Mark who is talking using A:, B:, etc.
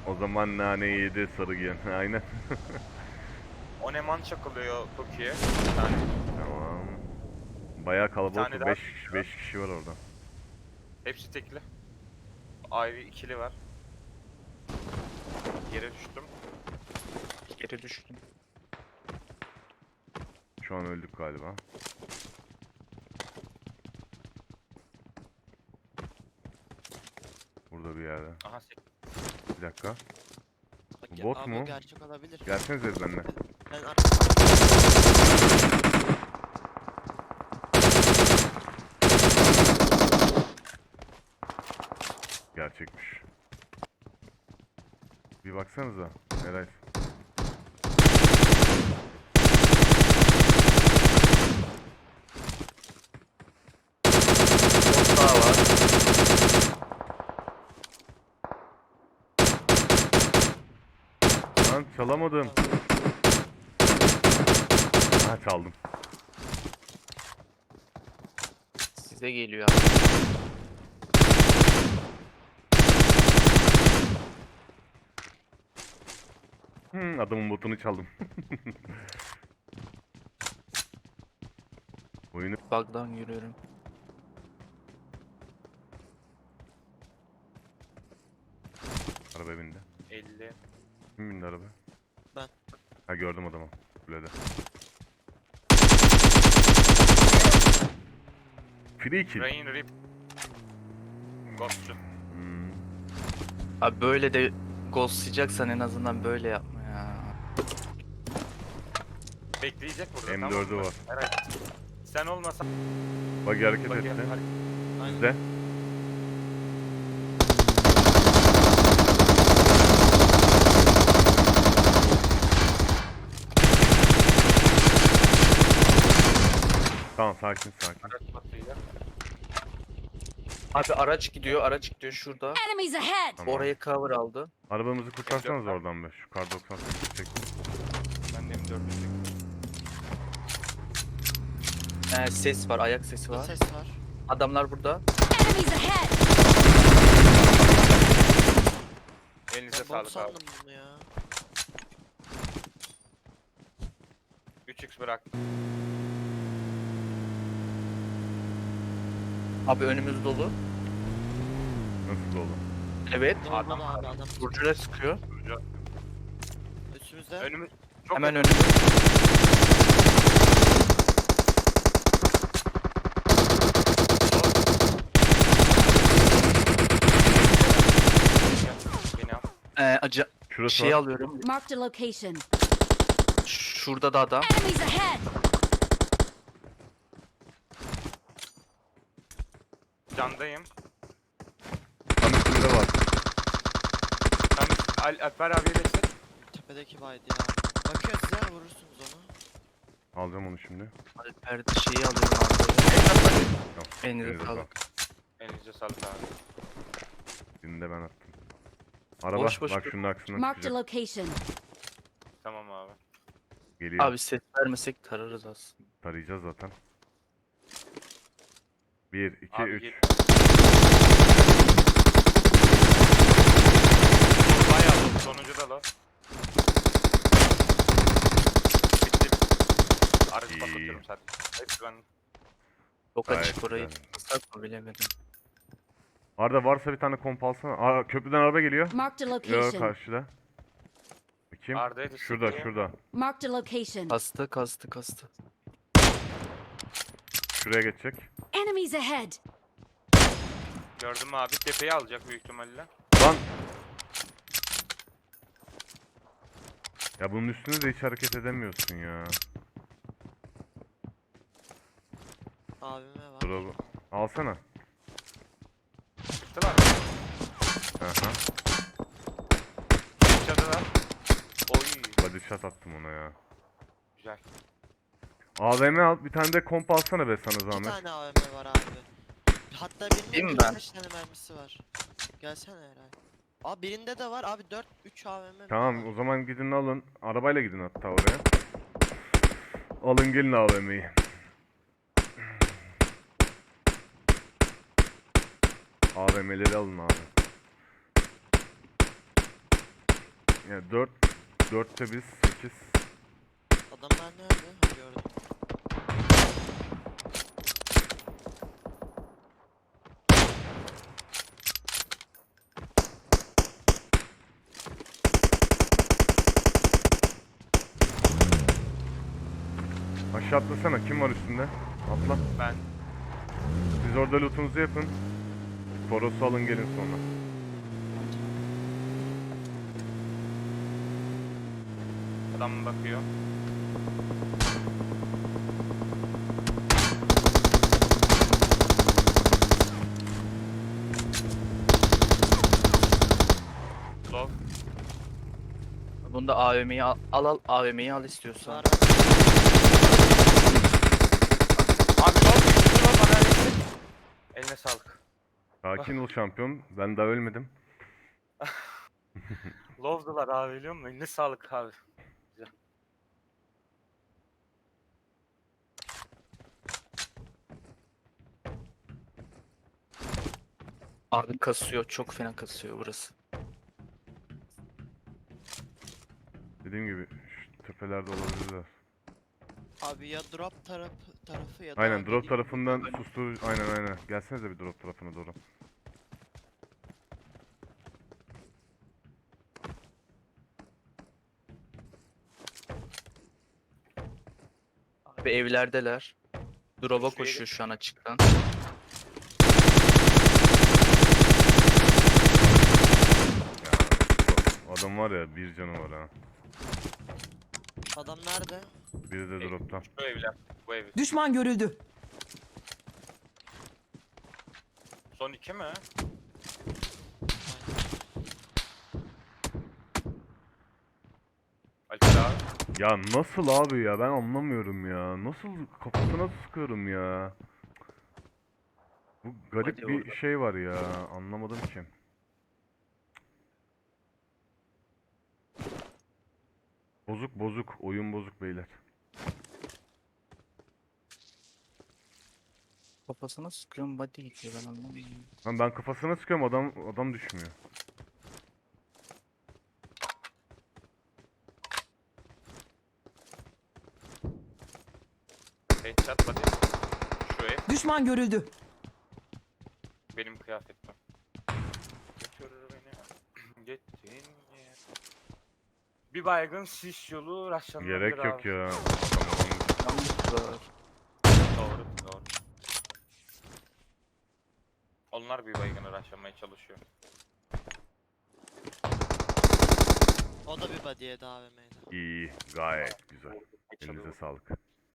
A: O zaman naneyi yedi sarı giyen. Aynen.
B: Oneman çakılıyor Toki'ye. Bir tane.
A: Tamam. Bayağı
B: Bir
A: kalabalık.
B: tane daha.
A: 5 kişi var orada.
B: Hepsi tekli. Ayrı ikili var. Yere düştüm.
C: Geri düştüm.
A: Şu an öldük galiba. Burada bir yerde.
B: Aha
A: Bir dakika.
D: Bak
A: Bu bot
D: abi
A: mu?
D: o gerçek olabilir.
A: Gelsenize benimle.
D: Ben
A: Gerçekmiş. Bir baksanıza. Eray.
C: Bot daha var.
A: Lan çalamadım. Ha çaldım.
C: Size geliyor abi.
A: Adamın botunu çaldım. Oyunu
C: Bug'dan yürüyorum.
A: araba bindi.
B: 50.
A: Kim bindi araba?
D: Ben.
A: Ha gördüm adamı. Kulede. Free kill.
B: Rain Rip. Ghostçu.
A: Hmm.
C: Abi böyle de ghostlayacaksan en azından böyle yapma ya.
B: Bekleyecek burada,
A: M4'ü
B: tamam mı?
A: var.
B: Evet. Sen olmasan...
A: Bak hareket
B: Bak
A: etti.
B: ya,
D: Aynen.
A: Bizde. Tamam sakin sakin.
B: araç batıyla.
C: Abi araç gidiyor şurada.
E: Enemies ahead!
A: Tamam.
C: Orayı cover aldı.
A: Arabamızı kurtarsanız
B: M4 var.
A: oradan be. Şu kar 98'i çektim.
B: Ben de M4'ü
C: Ses var, ayak sesi
D: Burada
C: var.
D: ses var.
C: Adamlar burada.
E: Enemies ahead!
B: Elinize
D: Ben bot
B: sağlık abi.
D: sandım bunu ya.
B: 3x bırak.
C: Abi önümüz dolu.
A: Nasıl dolu?
C: Evet.
D: Adam abi adam.
C: Burcu'yla sıkıyor.
D: Üstümüzde.
B: Önümüz... Çok
C: Hemen
B: yakın.
C: önümüz.
B: Beni al.
A: Şurası
C: Şey
A: var.
C: alıyorum.
E: Marked a location.
C: Şurada da adam.
E: Enemies ahead!
B: Candayım.
A: Tam üstünde var.
B: Sen Alper abiye destek.
D: Tepedeki baydı ya. Bakıyor size vurursunuz onu.
A: Alacağım onu şimdi.
C: Alper şeyi alıyorum abi.
A: Tamam.
C: Elinize
A: elinize
C: sağlık.
B: Elinize sağlık abi.
A: Birini de ben attım. Araba
C: Boş boş
A: bak
C: dur.
A: şunun aksına
E: Marked a
A: çıkacak.
E: location.
B: Tamam abi.
A: Geliyor.
C: Abi ses vermesek tararız aslında.
A: Tarayacağız zaten. 1, 2,
B: Abi
A: 3.
B: gel. Bayağı dolu, sonuncu da lo. Bitti. Aracı
A: İyi.
B: patlatıyorum zaten. Hepsi ben.
C: Çok
A: Gayet
C: açık orayı.
A: güzel.
C: Islak mı bilemedim.
A: Arda varsa bir tane komp alsana. Aa, köprüden araba geliyor.
E: Marked a
A: Yok
E: location.
A: karşıda. Bakayım.
B: Arda'ya da
A: Şurada
B: sıkıyor.
A: şurada.
E: Marked a location.
C: Kastı.
A: Şuraya geçecek.
E: Enemies ahead!
B: Gördün mü abi? Tepeyi alacak büyük ihtimalle.
A: Lan. Ya bunun üstüne de hiç hareket edemiyorsun ya.
D: AVM var.
A: Dur alsana.
B: Çıktılar mı?
A: Aha.
B: Çadılar. Oy.
A: Body shot attım ona ya.
B: Güzel.
A: AVM al. Bir tane de komp alsana be sana
D: İki
A: zahmet.
D: tane AVM var abi. Hatta
C: Değil
D: birinin
C: mi ben?
D: kaç tane mermisi var. Gelsene Eray. Abi birinde de var abi 3 AVM mi
A: Tamam
D: var?
A: o zaman gidin alın. Arabayla gidin hatta oraya. Alın gelin AVM'yi. AVM'leri alın abi. Yani 4'te biz 8.
D: Adamlar nerede? Ha, gördüm.
A: Aşağı atlasana. Kim var üstünde? Atla.
B: Ben
A: Siz orada lootunuzu yapın. Toros'u alın gelin sonra.
B: adam bakıyor. Low.
C: Bunda AVM'yi al AVM'yi al istiyorsan.
D: Var.
B: Abi low bana öyle. Eline sağlık.
A: Sakin ol şampiyon. Ben daha ölmedim.
B: Low'dular abi biliyor musun? Eline sağlık abi.
C: Abi kasıyor, çok fena kasıyor burası.
A: Dediğim gibi şu tepelerde olabilirler.
D: Abi ya drop tarafı ya da
A: Aynen drop
D: dediğim-
A: tarafından sustur. Aynen. Gelsenize bir drop tarafına doğru.
C: Abi evlerdeler. Drop'a
B: Şuraya
C: koşuyor şu an açıktan.
A: Ya o adam var ya bir canı var ha.
D: Adam nerede?
A: Biri de dropta.
B: Şu evler. Bu ev.
F: Düşman görüldü.
B: Son 2 mi? Alper abi.
A: Ya nasıl abi ya ben anlamıyorum ya. Nasıl kafasına sıkıyorum ya. Bu garip
C: Hadi
A: bir
C: oradan.
A: şey var ya. Anlamadım ki. Bozuk. Oyun bozuk beyler.
C: Kafasına sıkıyorum body gidiyor ben anlamıyorum.
A: Lan ben kafasına sıkıyorum adam düşmüyor.
B: Headshot body. Şu ev.
F: Düşman görüldü.
B: Benim kıyafetim. Götür beni. Gittin yer. Bir baygın sis yolu raşlanabilir
A: Gerek yok
B: abi.
A: ya. Tamam.
C: Yanlışlar.
B: Doğru. Onlar bir baygını raşlamaya çalışıyor.
D: O da bir body'ye de AVM'ydi.
A: İyi. Gayet güzel.
B: Geçiyor.
A: Elinize sağlık.